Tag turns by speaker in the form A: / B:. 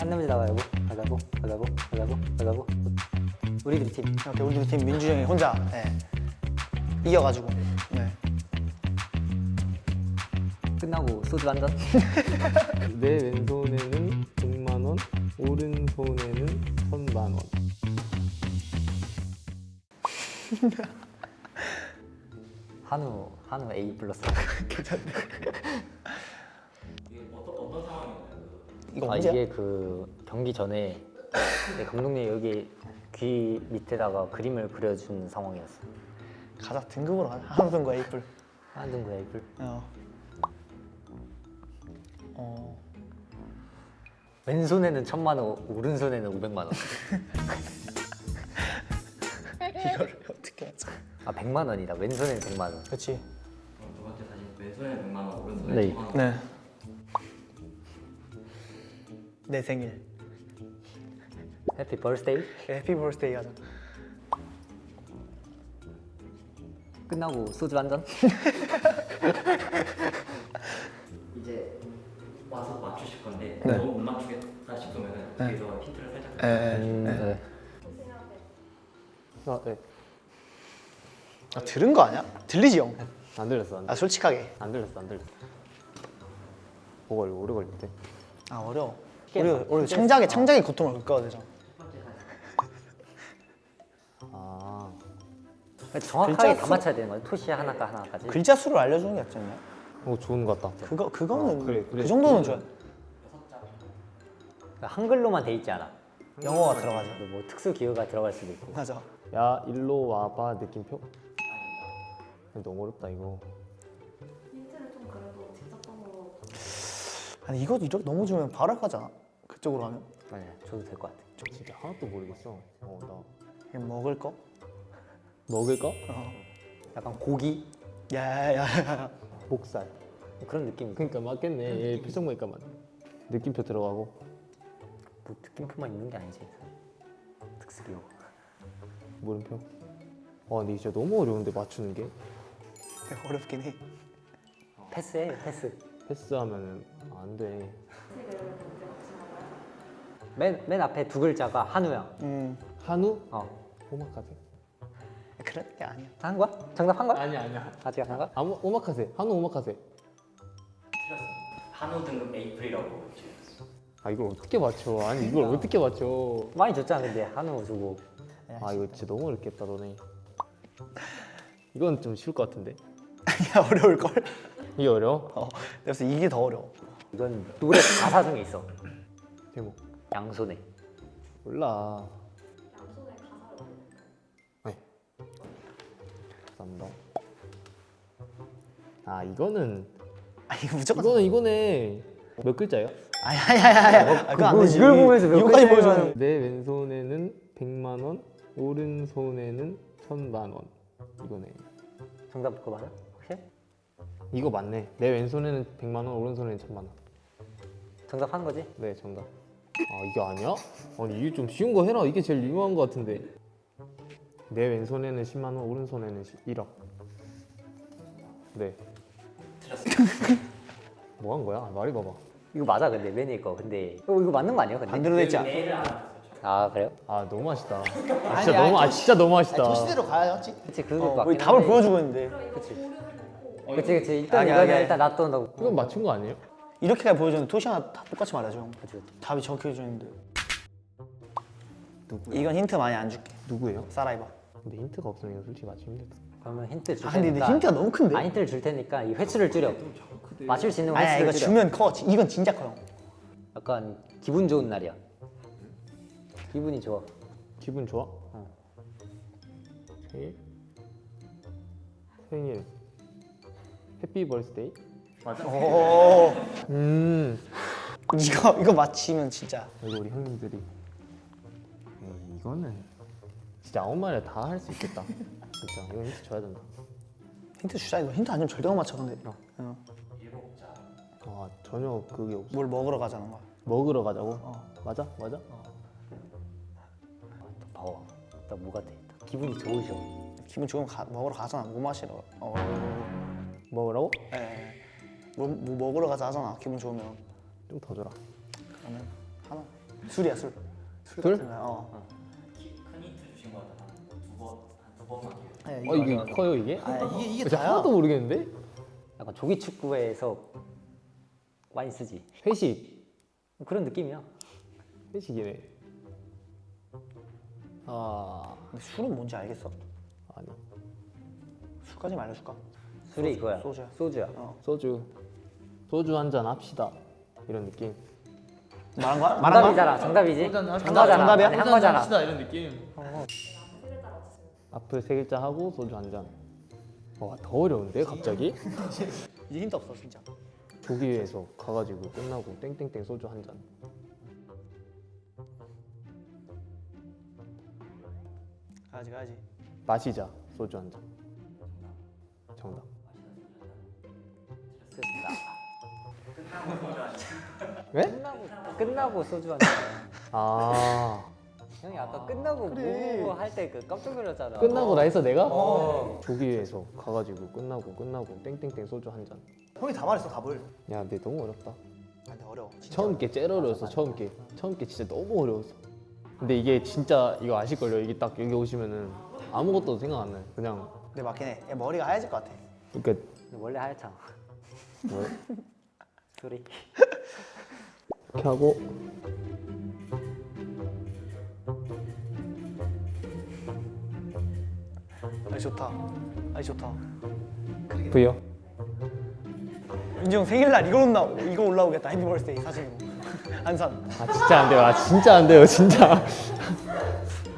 A: 안 내면 나가고. 우리들이 팀.
B: 이렇게 우리 팀 민주 형이 혼자 이겨가지고. 네.
A: 끝나고 소주 한 잔.
C: 내 왼손에는 100만 원, 오른손에는 1000만 원.
A: 한우 A 플러스.
B: 이거
A: 아
B: 언제야?
A: 이게 그 경기 전에 네, 감독님 여기 귀 밑에다가 그림을 그려준 상황이었어.
B: 가자 등급으로 가자. 한우등거 에이플.
A: 한등 그 에이플. 왼손에는 1000만 원, 오른손에는 500만 원.
B: 이거를 어떻게 하자?
A: 아 100만 원이다. 왼손에는 100만 원.
B: 그렇지.
D: 두 번째 사진 왼손에 100만 원, 오른손에
A: 네.
D: 1000만 원.
B: 네. 내 생일.
A: 해피 버스데이.
B: 해피 버스데이 하자.
A: 끝나고 소주 한 잔.
D: 이제 와서 맞추실 건데
B: 네.
D: 너무 못 맞추겠다 싶으면은 뒤에서 힌트를 살짝
A: 네.
C: 아, 네.
B: 아, 들은 거 아니야? 들리지 형?
C: 안 들렸어.
B: 아 솔직하게.
C: 안 들렸어. 뭐가 이거 오래 걸린대.
B: 아 어려워.
A: 쉽게
B: 우리 창작의 고통을 겪어야 되잖아.
C: 아,
A: 정확하게
B: 글자
A: 다
B: 수-
A: 맞춰야 되는 거야. 토시 하나까 하나까지.
B: 글자 수를 알려주는 게 낫지 않냐?
C: 좋은 것 같다.
B: 그거는
C: 그래.
B: 그 정도는 좋아.
A: 한글로만 돼 있지 않아.
B: 영어가 들어가죠.
A: 뭐 특수 기호가 들어갈 수도 있고.
B: 맞아.
C: 야, 일로 와봐 느낌표? 너무 어렵다 이거.
E: 힌트를 좀 그래도 직접 번호
B: 아니 이거 이렇게 너무 주면 바로 가잖아. 그쪽으로 하면.
A: 네, 줘도 될 것 같아.
C: 저 진짜 하나도 모르겠어. 나
B: 이거 먹을 거?
C: 먹을 거?
A: 약간 고기
B: 야야야.
C: 목살.
A: 그런 느낌.
C: 그러니까 맞겠네. 얘 표정 보니까 맞네. 느낌표 들어가고.
A: 뭐 느낌표만 있는 게 아니지. 특수 기호.
C: 물음표. 근데 진짜 너무 어려운데 맞추는 게.
B: 어렵긴 해.
A: 패스해 패스.
C: 패스하면은 안 돼.
E: 색을 먼저 맞추는 거야?
A: 맨 앞에 두 글자가 한우야.
C: 한우?
A: 어.
C: 오마카세?
B: 그런 게 아니야.
A: 한 거야? 정답 한 거야?
C: 아니야.
A: 아직 안 한 거야?
C: 오마카세. 한우 오마카세.
D: 한우 등급 에이플이라고 지금.
C: 이걸 어떻게 맞춰? 아니 이걸 어떻게 맞춰?
A: 많이 줬잖아 근데 한우 주고.
C: 이거 진짜 너무 어렵겠다 너네. 이건 좀 쉬울 것 같은데.
B: 야 어려울 걸.
C: 이게 어려워?
B: 그래서 이게 더 어려워.
A: 이건 노래 가사 중에 있어.
C: 제목
A: 양손에.
C: 몰라.
E: 양손에 가사를 올릴까요?
C: 네. 감사합니다. 이거는
B: 이거 무조건.
C: 이거네. 몇 글자예요?
B: 아야야야야. 그거 안 되지.
A: 이걸 보면서 몇
B: 이거까지
A: 글자를
B: 보여주면.
C: 내 왼손에는 100만 원, 오른손에는 1000만 원. 이거네.
A: 정답 그거 맞아? 혹시?
C: 이거 맞네. 내 왼손에는 100만 원, 오른손에는 1000만 원.
A: 정답 한 거지?
C: 네, 정답. 이게 아니야? 아니 이게 좀 쉬운 거 해라. 이게 제일 유명한 거 같은데. 내 왼손에는 10만 원, 오른손에는 1억. 네. 뭐 한 거야? 말이 봐봐.
A: 이거 맞아 근데 맨 위에 거. 근데 이거 맞는 거 아니야? 근데?
B: 반대로 됐지 않아?
D: 내일을 안
A: 아 그래요?
C: 너무 맛있다.
B: 아니,
C: 진짜 너무
B: 아니,
C: 진짜 너무 맛있다.
B: 토시대로 가야지.
A: 그치 그거 맞긴
B: 우리 답을
A: 한데.
B: 보여주고 있는데
E: 그럼 이거 고르해놓고
A: 그치 일단
B: 아니,
A: 이거는
B: 아니.
A: 일단 놔둬놓고.
C: 이건 맞춘 거 아니에요?
B: 이렇게까지 보여주는데 토시 하나 다 똑같이 말해줘.
A: 그치.
B: 답이 적혀져 있는데.
C: 누구야?
B: 이건 힌트 많이 안 줄게.
C: 누구예요?
B: 사라이바.
C: 근데 힌트가 없으면 이거 솔직히 맞추기 힘들다.
A: 그러면 힌트 줄
B: 근데
A: 테니까.
B: 힌트가 너무 큰데.
A: 힌트를 줄 테니까 이 횟수를 줄여. 맞출 수 있는
B: 아니야
A: 횟수를
B: 이거
A: 줄여.
B: 주면 커. 이건 진짜 커요.
A: 약간 기분 좋은 날이야. 기분이 좋아.
C: 기분 좋아? 생일. 해피 버스데이?
B: 오. 이거 맞히면 진짜.
C: 이거 우리 형님들이. 이거는 진짜 아무 말이나 다 할 수 있겠다. 진짜 이거 힌트 줘야 된다.
B: 힌트 주자. 이거 힌트 아니면 절대 못 맞춰 근데.
C: 전혀 그게 없어.
B: 뭘 먹으러 가자는 거야.
C: 먹으러 가자고? 맞아?
A: 봐봐. 나 뭐가 돼? 기분이 좋으셔.
B: 기분 좋으면 먹으러 가잖아. 뭐 마시러.
C: 먹으라고?
B: 뭐 먹으러 가자 하잖아. 기분 좋으면.
C: 좀 더 줘라.
B: 그러면 하나. 술이야 술.
C: 술?
B: 같은 거야. 어.
D: 큰 힌트 주신 거 같아. 한두 번만 기회.
B: 네,
C: 이게 커요 이게?
B: 이게
C: 진짜
B: 다야.
C: 하나도 모르겠는데?
A: 약간 조기 축구에서 많이 쓰지.
C: 회식.
A: 그런 느낌이야.
C: 회식이네. 아
B: 근데 술은 뭔지 알겠어?
C: 아니
B: 술까지 알려줄까?
A: 술이 이거야.
B: 소주야.
A: 소주야.
C: 소주 한 잔 합시다 이런 느낌.
B: 말한 거야? 말한 거야?
A: 정답이잖아. 정답이지.
B: 정답이야?
A: 아니, 한 거잖아.
C: 이런 느낌. 앞을 세 글자 하고 소주 한 잔. 와더 어려운데 갑자기?
B: 이제 힌트 없어 진짜.
C: 조기에서 가가지고 끝나고 땡땡땡 소주 한 잔.
B: 가야지.
C: 마시자 소주 한 잔. 정답. 왜?
A: 끝나고 소주 한 잔.
C: 아
A: 형이 아까 끝나고 뭐 할 때 그 깜짝 놀랐잖아.
C: 끝나고 나 했어 내가? 조기에서 가가지고 끝나고 땡땡땡 소주 한 잔.
B: 형이 다 말했어 답을.
C: 야 근데 너무 어렵다.
B: 근데 어려워. 진짜.
C: 처음 게 제일 어려웠어. 처음 게 진짜 너무 어려웠어. 근데 이게 진짜 이거 아실걸요? 이게 딱 여기 오시면은 아무것도 생각 안 나요. 그냥
B: 근데 맞긴 해. 얘 머리가 하얘질 것 같아.
C: 그러니까
A: 원래 하얗잖아.
C: 뭐
A: 술이.
C: 이렇게 하고
B: 아니 좋다. 아니 좋다.
C: V요.
B: 민지 형 생일날 이거 올라오겠다. 해피 버스데이 사진으로. 안산.
C: 아 진짜 안 돼요. 아 진짜 안 돼요. 진짜.